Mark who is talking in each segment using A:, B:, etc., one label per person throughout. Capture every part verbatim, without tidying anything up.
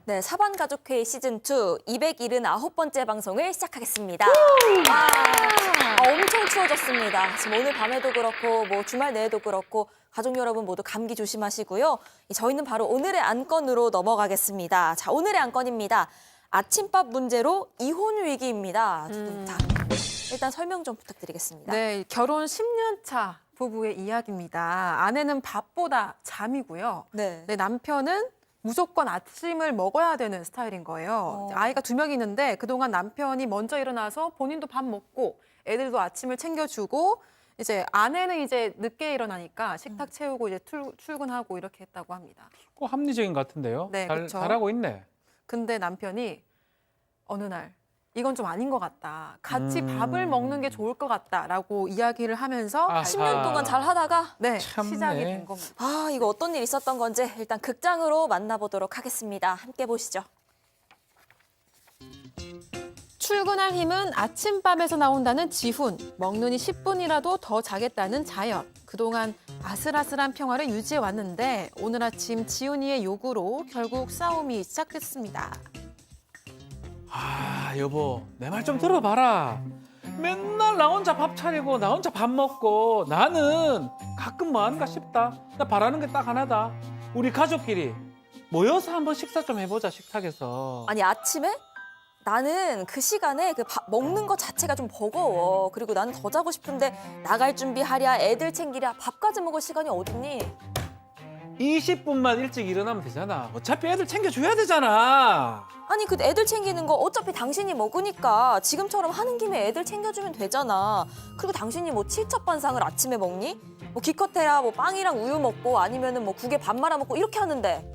A: 네, 사반가족회의 시즌이 이백칠십구 번째 방송을 시작하겠습니다. 아, 아, 엄청 추워졌습니다. 지금 오늘 밤에도 그렇고 뭐 주말 내에도 그렇고 가족 여러분 모두 감기 조심하시고요. 저희는 바로 오늘의 안건으로 넘어가겠습니다. 자, 오늘의 안건입니다. 아침밥 문제로 이혼 위기입니다.
B: 음.
A: 자, 일단 설명 좀 부탁드리겠습니다.
B: 네, 결혼 십 년 차 부부의 이야기입니다. 아내는 밥보다 잠이고요.
A: 네.
B: 네, 남편은 무조건 아침을 먹어야 되는 스타일인 거예요.
A: 어.
B: 아이가 두 명이 있는데 그동안 남편이 먼저 일어나서 본인도 밥 먹고 애들도 아침을 챙겨주고 이제 아내는 이제 늦게 일어나니까 식탁 채우고 이제 출, 출근하고 이렇게 했다고 합니다.
C: 꼭 합리적인 것 같은데요.
B: 네,
C: 잘,
B: 그쵸.
C: 잘하고 있네.
B: 근데 남편이 어느 날 이건 좀 아닌 것 같다. 같이
C: 음.
B: 밥을 먹는 게 좋을 것 같다라고 이야기를 하면서
C: 아하.
A: 십 년 동안 잘 하다가
B: 네,
C: 참네.
B: 시작이 된 겁니다.
A: 아, 이거 어떤 일 있었던 건지 일단 극장으로 만나보도록 하겠습니다. 함께 보시죠.
B: 출근할 힘은 아침밥에서 나온다는 지훈, 먹느니 십 분이라도 더 자겠다는 자연. 그동안 아슬아슬한 평화를 유지해 왔는데 오늘 아침 지훈이의 요구로 결국 싸움이 시작됐습니다.
C: 아, 여보, 내 말 좀 들어봐라. 맨날 나 혼자 밥 차리고 나 혼자 밥 먹고 나는 가끔 뭐 하는가 싶다. 나 바라는 게 딱 하나다. 우리 가족끼리 모여서 한번 식사 좀 해보자, 식탁에서.
A: 아니, 아침에? 나는 그 시간에 그 밥 먹는 것 자체가 좀 버거워. 그리고 나는 더 자고 싶은데 나갈 준비하랴, 애들 챙기랴, 밥까지 먹을 시간이 어딨니?
C: 이십 분만 일찍 일어나면 되잖아. 어차피 애들 챙겨줘야 되잖아.
A: 아니, 그 애들 챙기는 거 어차피 당신이 먹으니까 지금처럼 하는 김에 애들 챙겨주면 되잖아. 그리고 당신이 뭐 칠첩반상을 아침에 먹니? 뭐 기껏해야 뭐 빵이랑 우유 먹고 아니면은 뭐 국에 밥 말아 먹고 이렇게 하는데.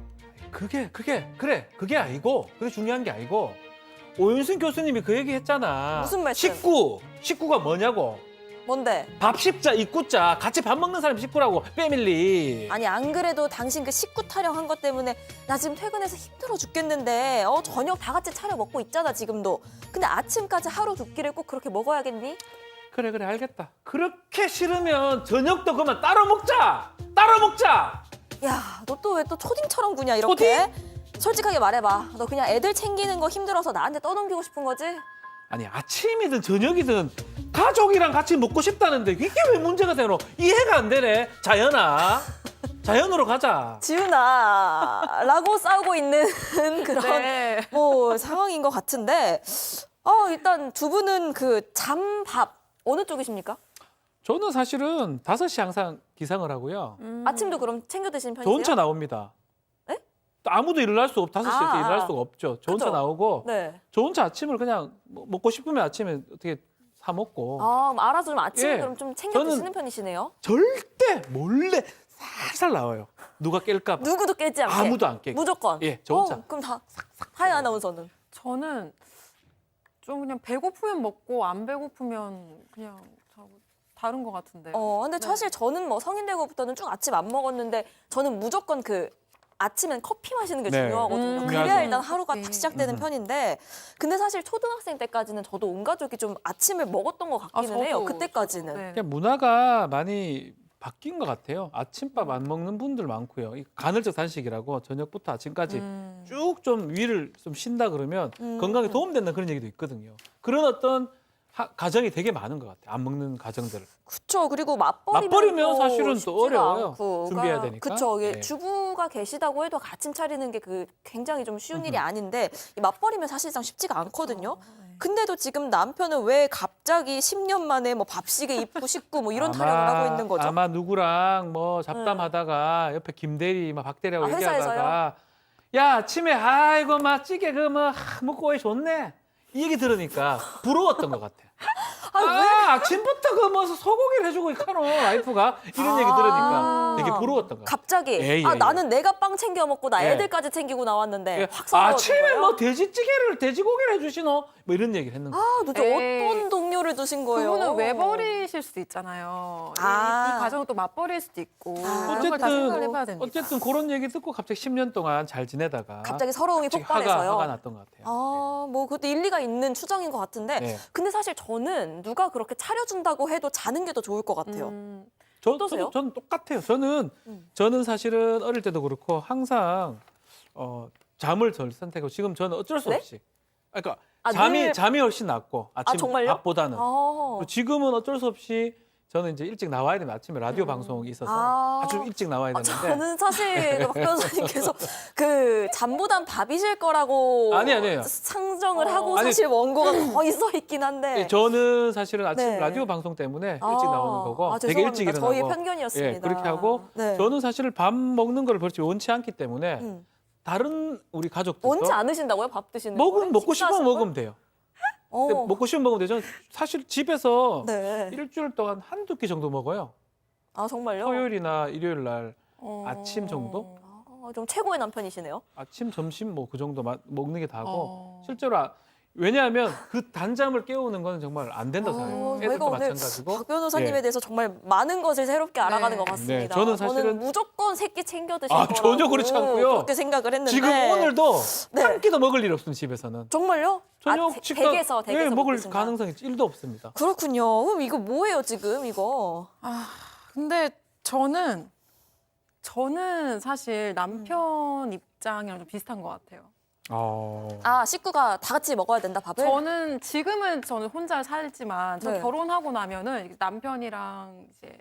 C: 그게, 그게, 그래. 그게 아니고, 그게 중요한 게 아니고. 오윤순 교수님이 그 얘기 했잖아.
A: 무슨 말씀?
C: 식구. 식구가 뭐냐고.
A: 뭔데?
C: 밥 십자, 이구자. 같이 밥 먹는 사람이 식구라고. 패밀리.
A: 아니, 안 그래도 당신 그 식구 타령한 것 때문에 나 지금 퇴근해서 힘들어 죽겠는데 어 저녁 다 같이 차려 먹고 있잖아, 지금도. 근데 아침까지 하루 두 끼를 꼭 그렇게 먹어야겠니?
C: 그래, 그래, 알겠다. 그렇게 싫으면 저녁도 그만 따로 먹자. 따로 먹자.
A: 야, 너 또 왜 또 초딩처럼 구냐, 이렇게? 솔직하게 말해봐. 너 그냥 애들 챙기는 거 힘들어서 나한테 떠넘기고 싶은 거지?
C: 아니, 아침이든 저녁이든 가족이랑 같이 먹고 싶다는데 이게 왜 문제가 되노? 이해가 안 되네. 자연아. 자연으로 가자.
A: 지훈아, 라고 싸우고 있는 그런
B: 네.
A: 뭐 상황인 것 같은데 어, 일단 두 분은 그 잠밥 어느 쪽이십니까?
C: 저는 사실은 다섯 시 항상 기상을 하고요.
B: 음.
A: 아침도 그럼 챙겨 드시는 편이세요?
C: 저 혼자 나옵니다.
A: 에?
C: 또 아무도 일어날 수 없, 다섯 시에
A: 아,
C: 일어날
A: 아.
C: 수가 없죠. 저 혼자
A: 그죠.
C: 나오고,
A: 네.
C: 저 혼자 아침을 그냥 뭐- 먹고 싶으면 아침에 어떻게 사 먹고,
A: 아, 그럼 알아서 좀 아침에
C: 예.
A: 그럼 좀 챙겨
C: 저는-
A: 드시는 편이시네요.
C: 절대 몰래 살살 나와요. 누가 깰까 봐.
A: 누구도 깨지 않게.
C: 아무도 안 깨게.
A: 무조건.
C: 예, 저 혼자.
A: 어, 그럼 다 하이 아나운서는.
B: 저는 좀 그냥 배고프면 먹고 안 배고프면 그냥 자고 다른 것 같은데.
A: 어, 근데
B: 네.
A: 사실 저는 뭐 성인 되고부터는 쭉 아침 안 먹었는데 저는 무조건 그 아침엔 커피 마시는 게
C: 네.
A: 중요하거든요.
B: 음,
A: 그래야
C: 중요하죠.
A: 일단 하루가
B: 커피.
A: 딱 시작되는
C: 음.
A: 편인데 근데 사실 초등학생 때까지는 저도 온 가족이 좀 아침을 먹었던 것 같기는
B: 아, 저도,
A: 해요. 그때까지는.
B: 네.
C: 그냥 문화가 많이 바뀐 것 같아요. 아침밥 안 먹는 분들 많고요. 이 간헐적 단식이라고 저녁부터 아침까지
B: 음.
C: 쭉 좀 위를 좀 쉰다 그러면
A: 음.
C: 건강에 도움된다는 그런 얘기도 있거든요. 그런 어떤 하- 가정이 되게 많은 것 같아요. 안 먹는 가정들.
A: 그쵸. 그리고 맞벌이면,
C: 맞벌이면
A: 또
C: 사실은 또
A: 쉽지가
C: 어려워요.
A: 않고.
C: 준비해야
A: 그러니까
C: 되니까.
A: 그쵸. 이게
C: 네.
A: 주부가 계시다고 해도 아침 차리는 게 그 굉장히 좀 쉬운 일이 아닌데 이 맞벌이면 사실상 쉽지가 않거든요.
B: 네.
A: 근데도 지금 남편은 왜 갑자기 십 년 만에 뭐 밥시계 입고 싶고 뭐 이런 타령을 하고 있는 거죠?
C: 아마 누구랑 뭐 잡담하다가 옆에 김대리, 막 박대리하고
A: 아,
C: 얘기하다가 야, 아침에 아이고 막 찌개 그뭐 먹고 왜 좋네. 이 얘기 들으니까 부러웠던 것 같아. 아, 아침부터 그 뭐 소고기를 해주고 있카노 와이프가 이런 얘기 들으니까 되게 부러웠던 것 같아.
A: 갑자기
C: 예, 예,
A: 아
C: 예.
A: 나는 내가 빵 챙겨 먹고 나
C: 예.
A: 애들까지 챙기고 나왔는데
C: 예.
A: 확 서러워진
C: 아침에
A: 거예요?
C: 뭐 돼지찌개를 돼지고기를 해주시노? 뭐 이런 얘기를 했는 거야.
A: 아 도대체
B: 에이.
A: 어떤 동료를 두신 거예요?
B: 그분은 외벌이실 수도 있잖아요. 이-
A: 아.
B: 이, 가정은 또 맞벌이일 수도 있고
A: 아.
B: 그런 걸 다 생각을
C: 어쨌든
B: 해봐야 됩니다.
C: 어쨌든 그런 얘기 듣고 갑자기 십 년 동안 잘 지내다가
A: 갑자기 서러움이
C: 갑자기 화가,
A: 폭발해서요.
C: 화가 났던 것 같아요.
A: 아, 뭐 그것도 일리가 있는 추정인 것 같은데
C: 네.
A: 근데 사실 저는 누가 그렇게 차려준다고 해도 자는 게 더 좋을 것 같아요.
B: 음,
C: 저,
A: 어떠세요?
C: 저도, 저는 똑같아요. 저는
A: 음.
C: 저는 사실은 어릴 때도 그렇고 항상 어, 잠을 덜 선택하고 지금 저는 어쩔 수
A: 네?
C: 없이 그러니까
A: 아,
C: 잠이
A: 늘-
C: 잠이 훨씬 낫고 아침
A: 정말요?
C: 밥보다는
A: 어.
C: 그리고 지금은 어쩔 수 없이 저는 이제 일찍 나와야 되는 아침에 라디오 방송이 있어서
A: 아.
C: 아주 일찍 나와야
A: 아,
C: 되는데
A: 저는 사실 그박 변호사님께서 그 잠보단 밥이실 거라고
C: 아니, 아니에요.
A: 상정을
B: 어.
A: 하고
C: 아니,
A: 사실 원고가 거의 써 있긴 한데.
C: 예, 저는 사실은 아침
A: 네.
C: 라디오 방송 때문에 일찍
A: 아,
C: 나오는 거고
A: 아,
C: 되게 일찍
A: 죄송합니다.
C: 일어나고
A: 저희 편견이었습니다.
C: 예, 그렇게 하고
A: 네.
C: 저는 사실 밥 먹는 걸 그렇게 원치 않기 때문에
A: 음.
C: 다른 우리 가족들도
A: 원치 않으신다고요? 밥 드시는
C: 먹은
A: 거를?
C: 먹고 싶으면
A: 식사하시는
C: 먹으면 돼요.
A: 걸?
C: 근데
A: 어.
C: 먹고 싶으면 먹으면 되죠. 사실 집에서
A: 네.
C: 일주일 동안 한두 끼 정도 먹어요.
A: 아 정말요?
C: 토요일이나 일요일 날
B: 어.
C: 아침 정도?
A: 아, 좀 최고의 남편이시네요.
C: 아침, 점심 뭐 그 정도 마- 먹는 게 다고
B: 어.
C: 실제로 아, 왜냐하면 그 단잠을 깨우는 건 정말 안 된다
A: 어,
C: 생각해요.
A: 저희가
C: 애들도
A: 오늘
C: 마찬가지고.
A: 박 변호사님에
C: 예.
A: 대해서 정말 많은 것을 새롭게 알아가는
B: 네.
A: 것 같습니다.
C: 네, 저는 사실은-
A: 무조건 새끼 챙겨 드실
C: 아,
A: 거라고
C: 전혀 그렇지 않고요.
A: 그렇게 생각을 했는데
C: 지금 오늘도
A: 네.
C: 한 끼도 먹을 일 없습니다. 집에서는.
A: 정말요?
C: 저녁
A: 아, 대-
C: 식사
A: 댁에서 댁에서
C: 예, 먹을
A: 먹으신다.
C: 가능성이 일도 없습니다.
A: 그렇군요. 그럼 이거 뭐예요 지금 이거?
B: 아, 근데 저는 저는 사실 남편 입장이랑 좀 비슷한 것 같아요.
C: 어.
A: 아 식구가 다 같이 먹어야 된다 밥을?
B: 저는 지금은 저는 혼자 살지만 저
A: 네.
B: 결혼하고 나면은 남편이랑 이제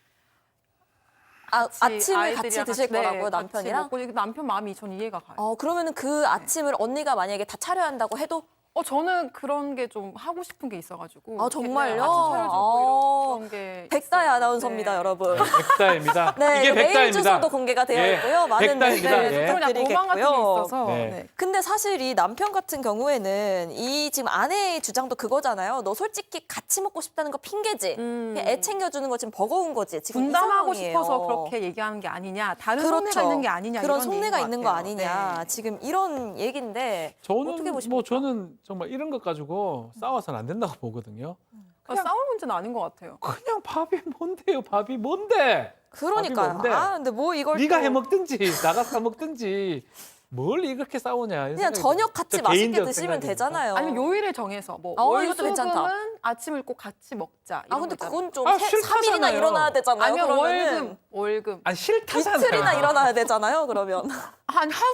A: 아,
B: 같이
A: 아침을 같이
B: 아이들이랑
A: 드실
B: 네,
A: 거라고요
B: 같이
A: 남편이랑?
B: 먹고 이게 남편 마음이 전 이해가 가요.
A: 어 그러면은 그 아침을 언니가 만약에 다 차려야 한다고 해도
B: 어 저는 그런 게 좀 하고 싶은 게 있어가지고.
A: 아, 정말요?
B: 네, 아침 차려주고
A: 어,
B: 이런, 그런 게.
A: 백다의
B: 있어요.
A: 아나운서입니다
B: 네.
A: 여러분.
C: 네, 백다입니다.
A: 네,
C: 이게
A: 메일
C: 백다입니다.
A: 주소도 공개가 되어
C: 예,
A: 있고요. 많은
C: 백다입니다.
A: 댓글
C: 예.
B: 그냥 고만 같은 게
A: 부탁드리겠고요.
B: 있어서.
C: 네.
B: 네.
A: 근데 사실 이 남편 같은 경우에는 이 지금 아내의 주장도 그거잖아요. 너 솔직히 같이 먹고 싶다는 거 핑계지.
B: 음.
A: 그냥 애 챙겨주는 거 지금 버거운 거지. 지금 이
B: 분담하고
A: 상황이에요.
B: 싶어서 그렇게 얘기하는 게 아니냐. 다른
A: 그렇죠.
B: 속내가 있는 게 아니냐.
A: 그런
B: 이런
A: 속내가
B: 얘기인
A: 있는
B: 것
A: 거
B: 같아요.
A: 아니냐.
B: 네.
A: 지금 이런 얘기인데
C: 저는
A: 어떻게 보십니까?
C: 뭐 저는 정말 이런 것 가지고 싸워서는 안 된다고 보거든요.
B: 아, 싸울 문제는 아닌 것 같아요.
C: 그냥 밥이 뭔데요? 밥이 뭔데?
A: 그러니까요.
C: 뭔데?
A: 아 근데 뭐 이걸
C: 네가
A: 또
C: 해 먹든지 나가 사 먹든지 뭘 이렇게 싸우냐. 이런
A: 그냥
C: 생각이
A: 저녁
C: 들어요.
A: 같이
C: 저
A: 맛있게
C: 개인적
A: 드시면
C: 생각이니까.
A: 되잖아요.
B: 아니면 요일을 정해서 뭐
A: 어,
B: 월,
A: 이것도
B: 수금은
A: 괜찮다.
B: 아침을 꼭 같이 먹자.
A: 아
B: 이런
A: 근데
B: 거 있잖아요.
A: 그건 좀
C: 아,
A: 세- 삼 일이나
C: 싫다잖아요.
A: 일어나야 되잖아요.
B: 아니면
A: 그러면은
B: 월금, 월금.
C: 아니 싫다잖아요.
A: 이틀이나 일어나야 되잖아요. 그러면
B: 한 하루?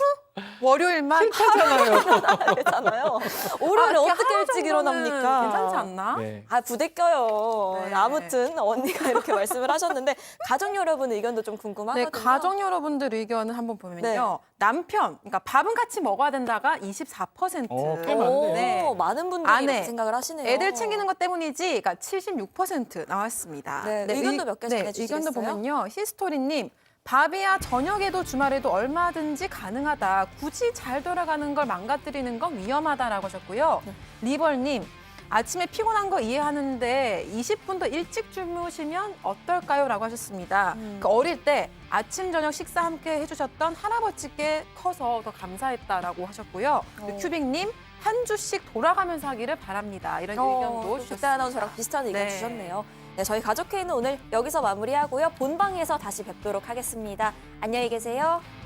B: 월요일만
C: 싫다잖아요.
A: 되잖아요. 월요일에
B: 아, 이렇게
A: 어떻게
B: 하루
A: 일찍
B: 정도는
A: 일어납니까?
B: 괜찮지 않나?
C: 네.
A: 아 부대껴요.
B: 네.
A: 아무튼 언니가 이렇게 말씀을 하셨는데 가족 여러분 의견도 좀
B: 네,
A: 궁금하거든요.
B: 가정 여러분들 의견을 한번 보면요.
A: 네.
B: 남편, 그러니까 밥은 같이 먹어야 된다가 이십사 퍼센트.
C: 어, 꽤
A: 오,
C: 많네요.
B: 네.
A: 많은 분들이
B: 아내,
A: 이렇게 생각을 하시네요.
B: 애들 챙기는 것 때문이지, 그러니까 칠십육 퍼센트 나왔습니다.
A: 네, 의견도 몇개
B: 네,
A: 전해주시겠어요?
B: 의견도 보면요. 히스토리님, 밥이야 저녁에도 주말에도 얼마든지 가능하다. 굳이 잘 돌아가는 걸 망가뜨리는 건 위험하다라고 하셨고요.
A: 네.
B: 리벌님, 아침에 피곤한 거 이해하는데 이십 분 더 일찍 주무시면 어떨까요? 라고 하셨습니다.
A: 음.
B: 그 어릴 때 아침, 저녁 식사 함께 해주셨던 할아버지께 커서 더 감사했다라고 하셨고요.
A: 어.
B: 큐빅님, 한 주씩 돌아가면서 하기를 바랍니다. 이런 의견도
A: 어,
B: 주셨습니다.
A: 그때 아나운서랑 비슷한 의견
B: 네.
A: 주셨네요. 네, 저희 가족회의는 오늘 여기서 마무리하고요. 본방에서 다시 뵙도록 하겠습니다. 안녕히 계세요.